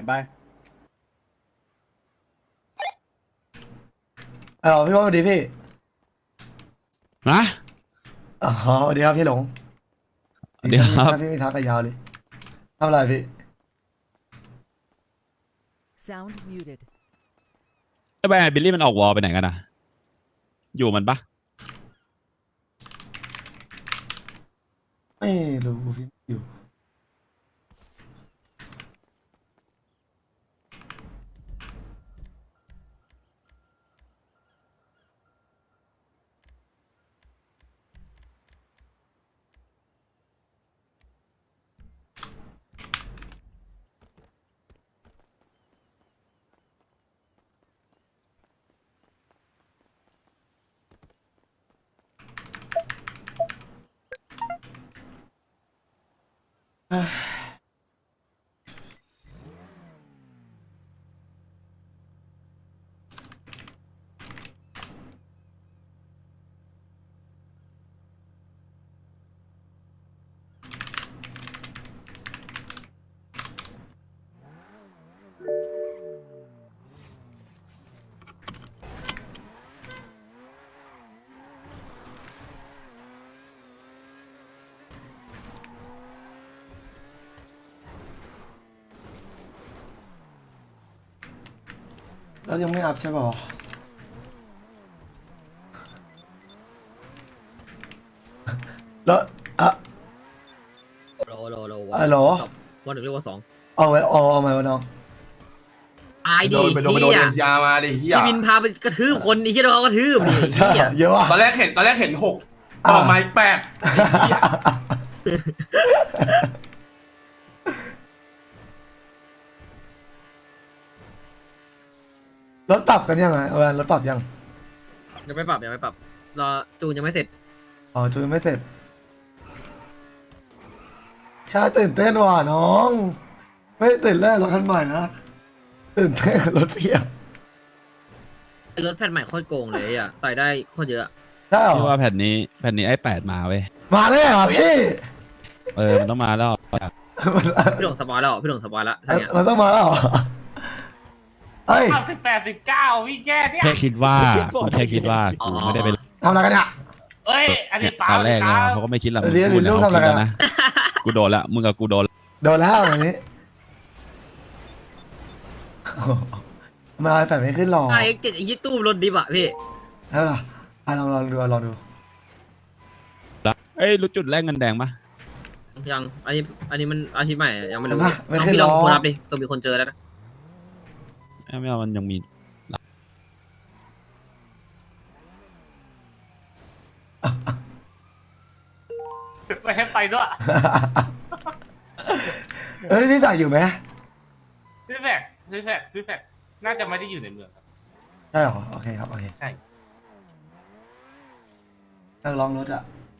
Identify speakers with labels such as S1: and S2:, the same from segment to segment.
S1: ไป
S2: พี่ว่าสวัสดีพี่
S3: นะ
S2: อ๋อสวัสดีครับพี่หลง
S3: เดี๋ยวครับ
S2: ถ้าพี่ไม่ทักก็ยาวเลยทำอะไรพี่
S4: Sound muted.
S3: ไอ้แบร์บิลลี่มันออกวอลไปไหนกันนะอยู่มันปะ
S2: ไม่รู้พี่อยู่เอ้ยแล้วยังไม่อัพใช่ป่าวแล้ว
S5: โลโลโล
S2: เหรอ
S5: วันหนึ่งเรียกว่าสอง
S2: เอาไหมวะน้อง
S5: อาย
S1: โด
S5: ดี
S1: นไปโดนเอ็นซีอาร์มาดิเฮีย
S5: พี่วินพาไปกระทืบคนไอ้ที่เขากระทืบดิ
S2: ใช่
S5: เหี้ย
S2: เยอะว่ะ
S1: ตอนแรกเห็นหกต่อไม้แปดเหี้ย
S2: รถปรับกันยังไงรถปรับยัง
S5: ยังไม่ปรับรอจูนยังไม่เสร็จ
S2: อ๋อจูนไม่เสร็จแค่ตื่นเต้นว่ะน้อง ไม่ได้ตื่นเต้นรถคันใหม่นะตื่นเต้นกับรถเพียบ
S5: ไอ้รถแผ่นใหม่โคตรโกงเลยอ่ะต่อยได้โคตรเยอะ
S2: ใช่เหร
S3: พี่
S2: อ
S3: ว่าแผ่นนี้ไอ้8มาเว้ย
S2: มาเลยเหรอพี่
S3: มันต้องมาแล้ว
S5: พี่หลงสปอยแล้วพี่หลงสปอยแล้วทั้งเนี้ย
S2: มันต้องมาแล้วเหรอเฮ้ย
S6: 18 19พี่แค่เนี่ย
S3: แค่คิดว่าแค่คิดว่ากูไม่ได้ไป
S2: ทำอะไรกันเนี่ย
S6: เอ้ย อันนี้เปล่า
S3: ตอนแรก
S6: ค
S3: นะ
S6: รับ
S3: เขาก็ไม่คิดหรอก
S2: เดี๋ยว
S3: มึง
S2: เดี๋ยว
S3: เขา
S2: ทำอะไร
S3: คิด
S2: กัน
S3: แล้วนะกูโดนละมึงกับกูโดน
S2: โดนแล้ววันนี้มาไอ้แปดไม่ขึ้นหรอก
S5: ไอ้เจ็ดไอ้ยี่ตู้รถดิบอ่ะพี่
S2: ใช่ปะลองดู
S3: ละเอ้ยรู้จุดแรกเงินแดงปะ
S5: ยังอันนี้มันอาทิตย์ใหม่ยังไม่รู้
S2: ไม่
S5: น้อง
S2: ขึ้น
S5: พี่
S2: หร
S5: ล
S2: อ
S5: อง
S2: ก
S5: โทรรับดิตัวมีคนเจอแล้วนะ
S3: ไม่เอามันยังมี
S6: ไม่ให้ไปด้วย
S2: เอ้ยพี่ฝากอยู่ไหม
S6: พี่แฟกน่าจะไม่ได้อยู่ในเมืองครับ
S2: ใช่หรอโอเคครับโอเค
S6: ใช่
S2: นั่งลองรถอะ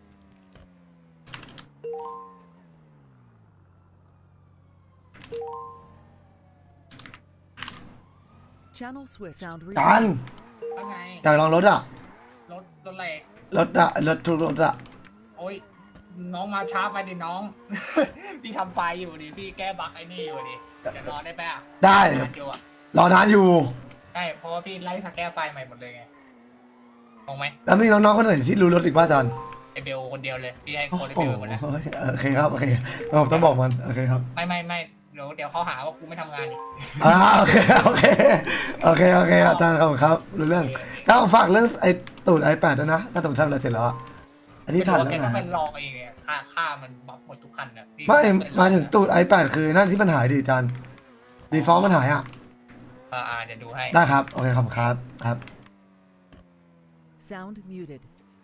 S4: Channel switch. Sound
S2: กัน
S4: resumed.
S6: ว่าไง
S2: อยากลองรถอะ
S6: รถอะไร
S2: รถทุกรถอะ
S6: โอ้ย น้องมาช้าไปดิน้อง พี่ทำไฟอยู่ดิ พี่แก้บั๊กไอ้นี่อยู่ดิจะรอได้ไหมอ่ะ
S2: ได้
S6: นานอยู่อ่ะ
S2: รอนานอยู่
S6: ใช่ เพราะว่าพี่ไล่สแก้ไฟใหม่หมดเลยไงงงไหม
S2: แล้วมีน้องๆคนอื่นที่รู้รถอีกป่ะอาจารย์
S6: ไอเบลคนเดียวเลย พี่ให้
S2: โอ้
S6: คนไอ
S2: โห
S6: เบลหมดเลย
S2: โอเคครับโอเคผมต้องบอกมันโอเคครับ
S6: ไม่เดี๋ยวเขาหาว่ากูไม่ทำงานอีก
S2: โอเคอาจารย์ขอบคุณครับรู้เรื่องถ้าผมฝากเรื่องไอ้ตูดไอ8ด้วยนะถ้าผมทำอะไรเสร็จแล้วอะอันนี้ถ่าย
S6: แก
S2: แล้ว
S6: ต้อง
S2: นะ
S6: เป็นลองเองไงค่ามันบัฟหมดทุกคันอ่ะพี่
S2: ไม่มาถึงตูดไอ8คือนั่นที่มันหายดิอาจารย์ดีฟอลต์มันหายอะ
S6: เดี๋ยวดูให้
S2: ได้ครับโอเคขอบคุณครับครับ
S4: Sound muted.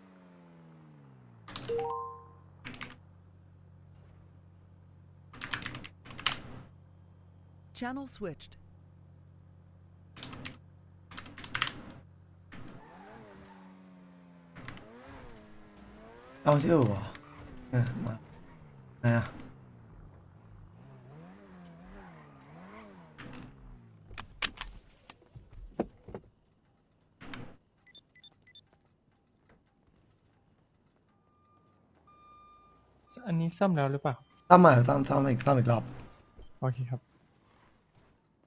S4: Channel switched.
S2: เอาที่อู่เหรอมาไหนอะ
S7: อันนี้ซ่อมแล้วหรือเปล่า
S2: ซ่อมใหม่ซ่อมอีกรอบ
S7: โอเคครับ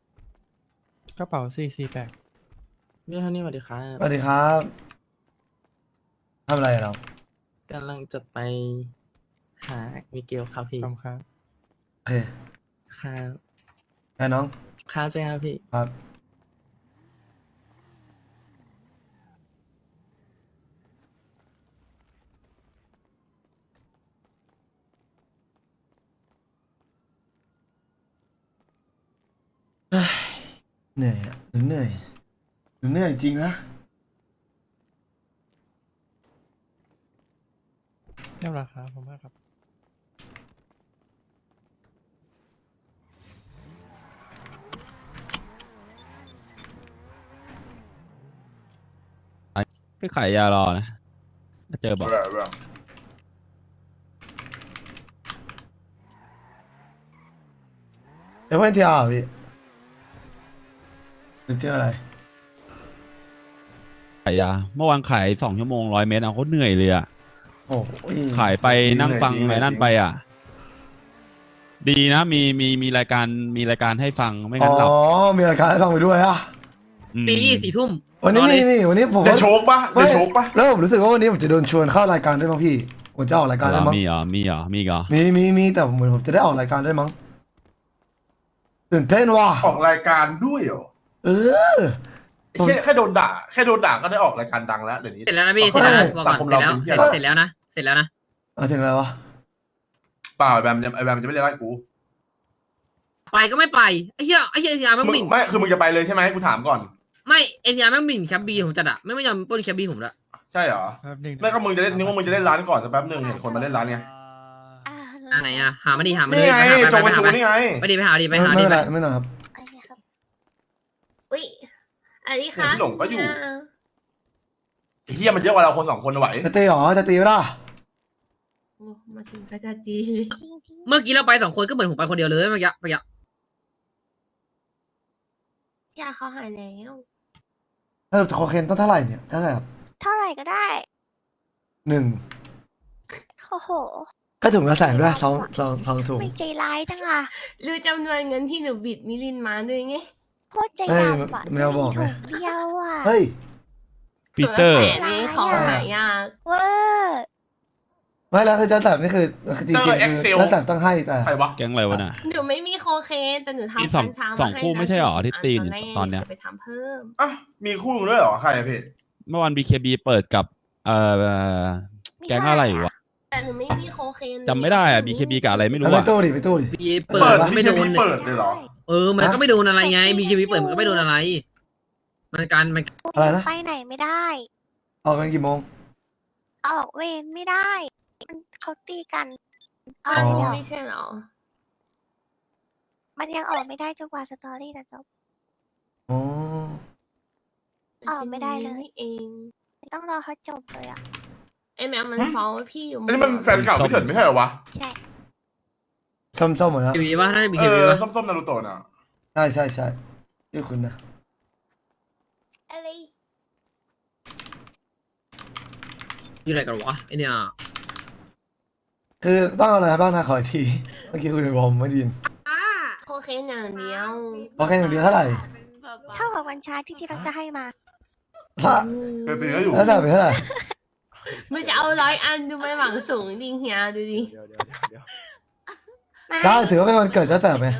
S7: กระเป๋า448
S8: พี่เท่านี้สวัสดีครับ
S2: สวัสดีครับทำอะไรอะเรา
S8: กำลังจะไปหามิเกลครับพี่
S7: ขอบคุณครับ
S2: โอเค
S8: ครับ
S2: ไอ้น้อง
S8: ครับใช่ครับพี่
S2: ครับเฮ้ยเหนื่อยอ่ะเหนื่อยเหนื่อยจริงนะ
S7: เรียบร้อยครับผมมากครับ
S3: ไปขายยารอนะถ้าเจอบอก
S2: เอเวนทีอาร์พี่หรือเจออะไร
S3: ขายยาเมื่อวานขาย2 ชั่วโมง100 เมตรเอาเขาเหนื่อยเลยอะ
S2: โอ้ย
S3: ขายไปนั่งฟังอะไรนั่นไปอ่ะ ดีนะมีรายการให้ฟังไม่
S2: อ๋
S3: งั้
S2: อน
S3: หลับ
S2: มีรายการให้ฟังไปด้วยอ่ะ
S3: ม
S5: ปี4 ทุ่ม
S2: วันนี้
S5: นอเลย
S2: นี่วันนี้ผม
S1: ได้
S2: ว่า
S1: โชคปะได้โชคปะ
S2: แล้วผมรู้สึกว่าวันนี้ผมจะโดนชวนเข้ารายการด้วยมั้งพี่ผมจะออกรายการด้วยมั้ง
S3: มีเหรอมีเหรอมีเหรอ
S2: มีแต่เหมือนผมจะได้ออกรายการด้วยมั้งตื่นเต้นว่ะ
S1: ออกรายการด้วยเหรอ
S2: เออ
S1: แค่โดนด่าก็ได้ออกรายการดังแล้วเดี๋ยวนี้
S5: เสร็จแล้วนะพี่เสร็จแล้วนะบอก
S1: สั
S5: ก่
S1: ง
S5: อน
S1: คมเราเป็นเหี้ย
S5: เสร็จแล้วนะเสร็จแล้วนะ
S2: มาถึงอะไรวะ
S1: เปล่าไอ้แบมจะไม่ได้ไล่กู
S5: ไปก็ไม่ไปไอ้เหี้ยเอ็นทีอาร์แม่ง
S1: มึง
S5: หมิ่น
S1: ไม่คือมึงจะไปเลยใช่ไหมกูถามก่อน
S5: ไม่เอ็นทีอาร์แม่งหมิ่นแคปบีผมจัดอะไม่ยอมปล้นแคปบีผมละ
S1: ใช่เหรอ
S7: แป๊บนึง
S1: ไม่ก็มึงจะเล่นนึกว่ามึงจะเล่นร้านก่อนสักแป๊บหนึงเห็นคนมาเล่นร้านไง
S5: อ่าไหนอะหามาดิหามา
S1: นี่
S5: ดิ
S1: ไง
S5: ไป
S1: จงไปสู
S5: ไป
S1: นี่ไง
S5: ไปดิไปหาดิไปหา
S2: ไม่
S5: ดิ
S2: เป็น
S5: ไป
S2: ไรไม่หน่อยครับ
S9: อุ้ยอันนี้ค่ะ
S1: พี่หลงก็อยู่ไอ้เฮียมันเยอะกว่าเราคน2 คนนะไหว
S2: จะตีเหรอจะตีไหมล่ะ
S9: โอ้มาถึงก็จะจี
S5: เมื่อกี้เราไป2 คนก็เหมือนผมไปคนเดียวเลยเมื่อกี้
S9: ยาเขาหายแล้ว
S2: ถ้าคอเคนต้องเท่าไหร่เนี่ยเท่าไหร่ครับ
S9: เท่าไหร่ก็ได้
S2: 1
S9: โอ้โห
S2: ก็ถุงละ100,000ด้วยสองถุง
S9: ไม่ใจร้ายจังอ่ะรู้จำนวนเงินที่หนูบิดมิลินมาด้วยไงโคตรใจ
S2: เฮ้ย
S9: ดำอ่ะ
S2: แมวบอกไง
S9: ถุงเดียวอ่ะ
S2: เฮ้ย
S3: ปีเตอร์
S9: ถุงละ100,000นี้เขาหายากเวอร์
S2: ไม่แล้วคือเจ้าแสบนี่คือจริงๆคือเจ้าแสบต้องให้แต่
S1: ใครวะ
S3: แก๊งอะไรวะน่ะ
S9: หนูไม่มีโคเคนแต่หนู
S3: มี
S9: ทำ
S3: สอง
S9: กัญชา
S3: สองคู่ไม่ใช่หรอที่ตีนตอนเนี้ย
S9: จะไปทำเพิ่ม
S1: อ่ะมีคู่มึงด้วยเหรอใครอะพี่
S3: เมื่อวาน BKB เปิดกับแก๊งอะไรวะ
S9: แต่หนูไม่มีโคเคน
S3: จำไม่ได้อะ BKB กับอะไรไม่รู้
S2: เอาไป
S3: อะ
S2: ตู้ดิไปตู้ดิ
S5: บีเปิ
S1: เปิ
S5: ด
S1: ด
S5: ก็ไม่โดน
S1: เปิดเลยเหรอ
S5: มันก็ไม่โดนอะไรไงบีเคบีเปิดมันก็ไม่โดนอะไร มันการมัน
S2: อะไรนะ
S9: ไปไหนไม่ได้
S2: ออกกันกี่โมง
S9: ออกเวรไม่ได้มันเขาตีกัน
S2: อ๋อ
S9: อันนี้ไม่ใช่เหรอ มันยังออกไม่ได้จนกว่าสตอรี่จะจบ
S2: อ๋อ
S9: ออกไม่ได้เลยเองต้องรอเขาจบเลยอ่ะไอแมวมันฟ้องว่าพี่อยู่
S1: อันนี้มันแฟนเก่าพี่เถิดไม่ใช่เหรอวะ
S9: ใช่
S2: ส้มๆหมดแล้ว
S5: บีบีว่าน่าจะบี
S1: เอ
S5: เคบี
S1: อ
S5: ว่า
S1: ส้มๆนารูโตะน่ะ
S2: ใช่ชื่อคุณนะ
S9: อะไร
S5: อยู่ไหนกันวะไอเนี่ย
S2: คือต้องเอาอะไรบ้างนะขออีกทีเมื่อกี้คุณบอกไม่ไดยิน
S9: โคเคนอย่างเดียว
S2: โอเคอย่างเดียวเท่าไหร่
S9: เท่ากับวันชาที่ที่เราจะให้มา
S1: เคยตีก็อยู่
S2: แล้วแต่เป็นเท่าไหร่
S9: มันจะเอา100 อันดูไม่หวังสูงจริงเฮียดูดิ
S2: ได้ถือว่าเป็นวันเกิดเจ้าแต่ไหม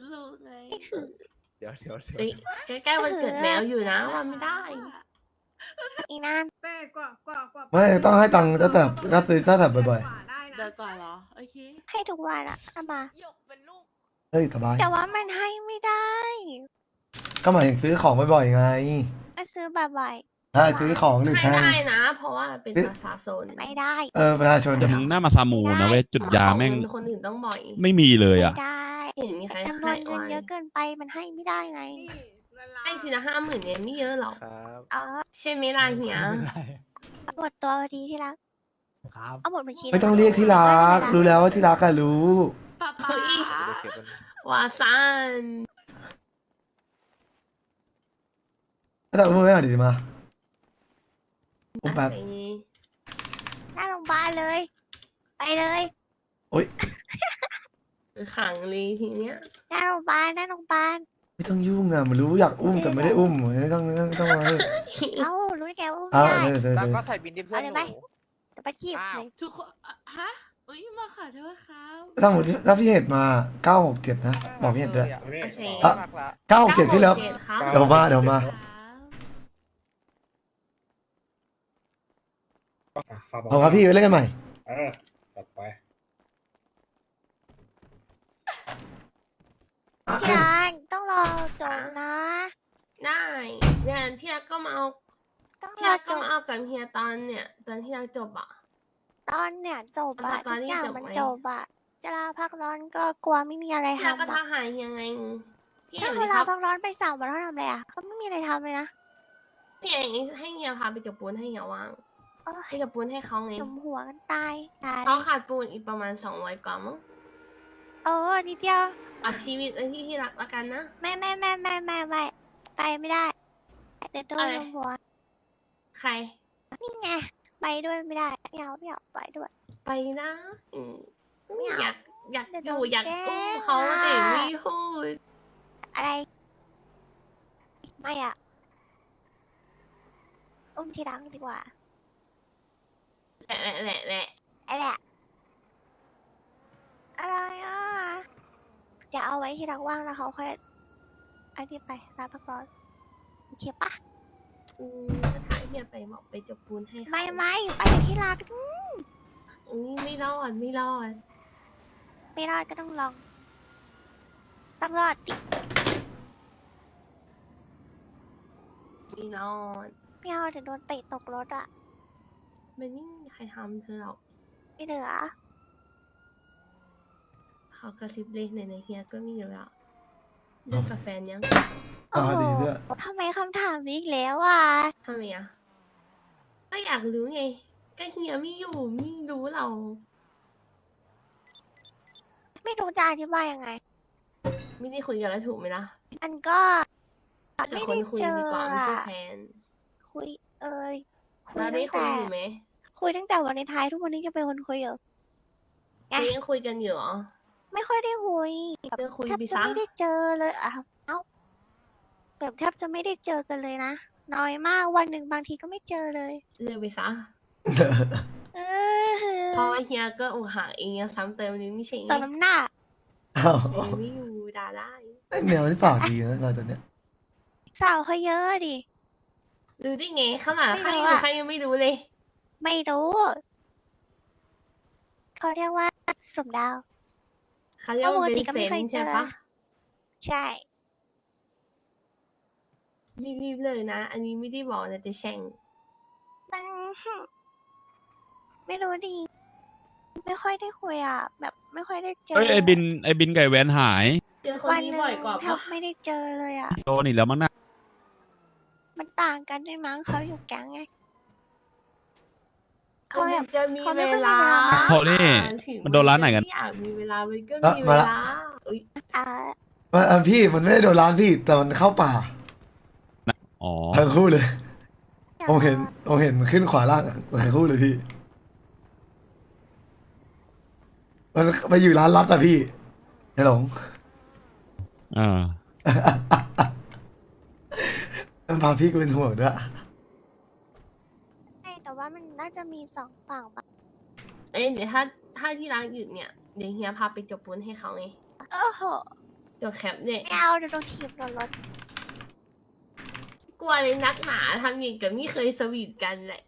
S9: เฮ้ยใกล้ๆวันเกิดแมวอยู่นะวันไม่ได้ อีนาน
S2: ไม่ต้องให้ตังค์เจ้าแต่ก็ซื้อเจ้าแต่บ่อย
S10: เดี๋ยวก่อนเหรอ โอเค
S9: ให้ทุกวันอะเอามา
S2: ๆเฮ้ยสบาย
S9: แต่ว่ามันให้ไม่ได้
S2: ก็หมายถึงซื้อของบ่อยๆไง
S9: ก็ซื้อบ่อย
S2: ถ้าซื้อของหรือ
S9: ๆ
S2: แทง
S9: ได้นะ เพราะว่าเป็นประชาชนไม่ได้
S2: ประชาชน
S3: แต่มึงหน้ามาซามูนะเว้ยจุดยาแม่ง
S9: ของคนอื่นต้องบ่อย
S3: ไม่มีเลยอะ
S9: ไม่ได้เห็นมีใคร
S10: จำนวน
S9: ให้
S10: เงิน
S9: ไว้
S10: เยอะเกินไปมันให้ไม่ได้ไง
S9: ให้ทีละ50,000เนี่ยไม่เยอะหรอก
S7: ครับ
S10: อ๋อ
S9: ใช่ไหมล่ะเฮีย
S10: หมดตัวพอดีที่รัก
S7: ครับ
S10: เอาหมดบัญชี
S2: ไม่ต้องเรียกที่รักรู้แล้วว่าที่รักก็รู้
S10: ป๊าป๊า
S9: วาซัน
S2: แต่มึงไม่เอาดีมาอุ้มแป๊บ
S10: หน้าโรงพยาบาลเลย ไปเลย
S2: โอ๊ย
S9: ขังเลยทีเนี้ย
S10: หน้าโรงพยาบาลหน้าโรงพยาบาล
S2: ไม่ต้องยุ่งอ่ะมันรู้อยากอุ้มแต่ไม่ได้อุ้มไม่ต้องมา
S10: เอ้ารู้ได้ไงว่าอุ้ม
S2: อ้าว
S10: ได้
S6: แล้วก็ใส่บินที่เพื่อน
S10: เอาเลย
S6: ห
S10: ไหม
S6: นู
S10: จะไปจีบเลย
S9: ทุกคนฮะอุ้ยมาขอโทษครับ
S2: ทั้งหมดถ้าพี่เห็ดมา967นะบอกพี่เห็ดด้วย
S9: โอเค
S2: อ่ะ 967พี่แล้ว
S9: ครับ
S2: เดี๋ยวมาเดี๋ยวมา เอาครับพี่ไปเล่นกันใหม่
S1: จัดไป
S10: ที่รักต้องรอจบนะ
S9: ได้เนี่ยที่รักก็มาเอา
S10: ต้อง
S9: ที่
S10: รอ
S9: รัก
S10: จ
S9: ก็
S10: บ
S9: มาเอากับเฮียตอนเนี่ยตอนที่รักจบอ่ะ
S10: ตอนเนี่ยจบอะ
S9: ตอน
S10: ทุก
S9: นี้
S10: อย่าง
S9: จบ
S10: มัน
S9: ไหม
S10: จบอะจะลาพักร้อนก็กลัวไม่มีอะไร
S9: ที่รักก็
S10: ทำ
S9: ทัก
S10: อะ
S9: หาเฮียไงพี่
S10: ถ้า
S9: เอ๋
S10: เขา
S9: ค
S10: ลา
S9: รับ
S10: พักร้อนไป3 วันเขาทำอะไรอะเขาไม่มีอะไรทำเลยนะ
S9: พี่เอ๋ให้เฮียพาไปจบปูนให้เฮียว่าง
S10: โอ้
S9: ไป
S10: ย
S9: จบปูนให้เขาไง
S10: จมหัวกันตายตาย
S9: เขาขาดปูนอีกประมาณ200กว่ามั้ง
S10: โอ้นิดเดียว
S9: อัดชีวิตไว้ที่รักละกันนะ
S10: ไม่ไปไม่ได้แต่โดน
S9: อะไร
S10: จมหัว
S9: ใคร
S10: นี่ไงไปด้วยไม่ได้ไม่เอาไปด้วย
S9: ไปนะ
S10: ไม่เอา
S9: อยาก
S10: เดี๋ยว
S9: อ
S10: โด
S9: ยู่
S10: น
S9: อยาก
S10: แกล้ง
S9: อุ้มเขา
S10: อะ
S9: แต่ไม่พูด
S10: อะไรไม่อะอุ้มทีหลังดีกว่า
S9: แหละแหละแหละ
S10: ไอ้แหละอะไรอ่ะอย่าเอาไว้ที่หลังว่างแล้วเขาค่อยไอ้นี่ไปลาพักร้อนโอเคปะ
S9: ถ้าทางเฮียไปบอกไปจบปูนให้เขา
S10: ไม่ไปที่รัก
S9: ไม่รอดไม่รอด
S10: ไม่รอดก็ต้องลองต้องรอดดิ
S9: ไม่รอด
S10: ไม่เอาเดี๋ยวโดนเตะตกรถอ่ะ
S9: มันไม่มีใครทำเธอหรอก
S10: ไม่เหลือ
S9: เขากระซิบเลยในเฮียก็มีอยู่แล้วเลิกกับแฟนยัง
S10: โอ้
S2: อ่า
S10: โห
S2: ดีด้วย
S10: ทำไมคำถามนี้อีกแล้วอ่ะ
S9: ทำไมอ่ะก็อยากรู้ไงก็เฮียไม่อยู่ไม่รู้เรา
S10: ไม่รู้จะอธิบายยังไง
S9: ไม่ได้คุยกันแล้วถูกไหมล่ะ
S10: มันก็
S9: แต่
S10: ไม่
S9: คน
S10: ได้
S9: คุย
S10: เจอ
S9: ดีกว่าไม่ใช่
S10: อะ
S9: แฟน
S10: คุยคุย
S9: เราได้
S10: ตั้ง
S9: คุย
S10: แต่
S9: อยู่ไหม
S10: คุยตั้งแต่วันในท้ายทุกวันนี้จะเป็นคนคุยอยู่ ไง
S9: ยังคุยกันอยู่เหรอ
S10: ไม่ค่อยได้คุย
S9: เจอคุย
S10: แทบ
S9: ไป
S10: จะ
S9: ซะ
S10: ไม่ได้เจอเลยอ่ะเอ้าแบบแทบจะไม่ได้เจอกันเลยนะน้อยมากวันหนึ่งบางทีก็ไม่เจอเลย
S9: เลิกไปซะ
S10: เออ
S9: เพราะว่าเฮียก็อกหักเองซ้ำเติมนึงไม่ใช่ไง
S10: สองน้ำหน้า
S2: อ้าว
S9: เองไม่อยู่ด่าได้
S2: ไอ้แมวที่ปากดีนะมาตัวเนี้ย
S10: สาวเขาเยอะดิ
S9: รู้ได้ไงขนาด
S10: ไม่
S9: ใคร
S10: รู้
S9: อยู่
S10: อะ
S9: ใครยังไม่รู้เลย
S10: ไม่รู้ เขาเรียกว่าสมดาว
S9: เขาเรียกว่า
S10: ปก
S9: เป็
S10: ติ
S9: น
S10: ก็
S9: เซ
S10: ไม่
S9: น
S10: เคย
S9: ส์
S10: เจ
S9: ใช่
S10: อ
S9: ปะ
S10: ใช่
S9: รีบๆเลยนะ อันนี้ไม่ได้บอกนะแต่แช่ง
S10: มัน ไม่รู้ดิ ไม่ค่อยได้คุยอ่ะ แบบไม่ค่อยได้เจอ
S3: เอ้ยไอ้บินไก่แวนหาย
S9: เจอคน
S10: วัน
S9: นี้
S10: หนึ่ง
S9: บ่อยกว่า
S10: แท
S9: ปะ
S10: บไม่ได้เจอเลยอ่ะ
S3: โดนอีกแล้วมั้งนะ
S10: มันต่างกันด้วยมั้งเขาอยู่แก๊งไง เขา
S9: มัน
S10: แบบ
S9: จะมี
S10: เขาไม่
S9: เว
S10: ค่อยมี
S9: ลา
S10: เวลา
S3: โทนี่มันโดนร้านไหนกัน
S9: ม่อยากมีเวลามันก็
S2: เอ้อ
S9: มี
S2: มา
S9: เว
S2: ละ
S9: ลาอุ๊ย
S10: อ่า
S2: พี่มันไม่ได้โดนร้านพี่ แต่มันเข้าป่า
S3: อ๋อ
S2: ทั้งคู่เลยผมเห็นขึ้นขวาล่างทั้งคู่เลยพี่ มันไปอยู่ร้านรัดอะพี่ไอ้หลง
S3: อ่า
S2: มันพาพี่กูเป็นห่วงด้วย
S10: ใช่แต่ว่ามันน่าจะมี2 ฝั่งปะ
S9: เอ้ยเดี๋ยวถ้าที่ร้านหยุดเนี่ยเดี๋ยวเฮียพาไปจบปูนให้เขาไง
S10: โอ้โห
S9: จบแคปเนี่ย
S10: ไม่เอาเดี๋ยวโดนถีบโดนรถ
S9: กลัวเลยนักหนาทำอย่างกับไม่เคยสวีทกันแหละ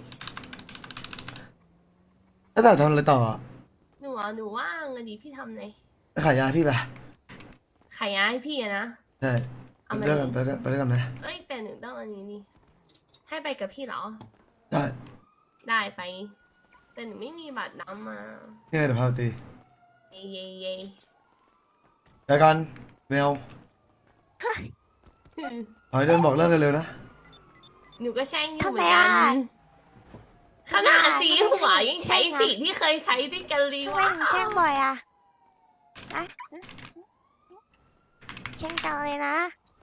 S2: แล้วแต่ทำอะไรต่อ
S9: หนูว่างอะดิพี่ทำไง
S2: ขายยาพี่ไป
S9: ขายย้ายพี่อะนะ
S2: ใช่
S9: เอามา
S2: ไปด้วยกันไปด้วยกันไหม
S9: เอ้ยแต่หนูต้องอันนี้นี่ให้ไปกับพี่เหรอ
S2: ได้
S9: ได้ไป แต่หนูไม่มีบัตรน้ำมา
S2: ยังไงเดี๋ยวพาไปตี
S9: เย่เย่เย่
S2: ไปกันแมวขอให้เดินบอกเลิกกันเร็วนะ
S9: หนูก็แช่งอยู่
S10: ทำ
S9: เห
S10: ไม
S9: มือนกั
S10: อ่ะ
S9: นขนาดสีหัวยังใช้สีที่เคยใช้ด้วยกันเลย
S10: ทำไม
S9: วะ
S10: ถึงแช่งบ่อยอ่ะอะแช่งจังเลยนะ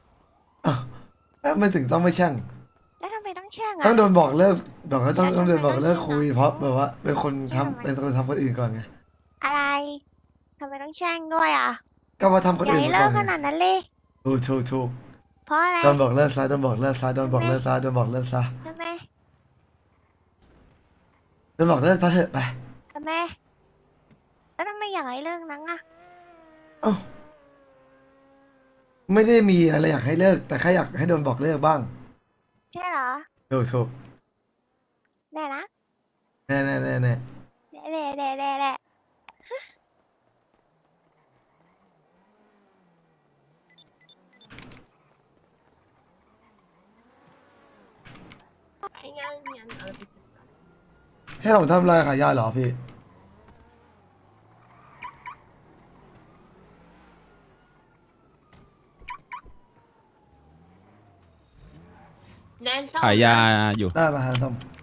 S2: ไม่ถึงต้องไม่แช่ง
S10: แล้วทำไมต้องแช่ง
S2: ต้อ
S10: อ่ะ
S2: งโดนบอกเลิกบอกว่าต้องโดนบอกเลิกคุยเพราะแบบว่าเป็นคนทำเป็นคนทำคนอื่นก่อนไง
S10: อะไรทำไมต้องแช่งด้วยอ่ะ
S2: ก็มาทำคน
S10: อย่า
S2: อื่น
S10: ให้
S2: มา
S10: เลิ
S2: ก่อก น
S10: ข
S2: ไง
S10: นาดนั้นเลย
S2: ถูก
S10: เพราะอะไร
S2: โดนบอกเลิกซะโดนบอกเลิกซะโดนบอกเลิกซะโดนบอกเลิกซะ
S10: ทำไม
S2: โดนบอกเลิกซะเถอะไป
S10: ทำไมแล้วทำไมอยากให้เลิกนังอะ
S2: เอ้าไม่ได้มีอะไรอยากให้เลิก แต่แค่อยากให้โดนบอกเลิกบ้าง
S10: ใช่เหรอ
S2: ถูก
S10: แน่นะ
S2: แน่
S10: แน่แน่แน่แน่
S2: ให้ผมทำอะไรขายยาเหรอพี่
S3: ขายยาอยู่
S2: ได้มาฮะท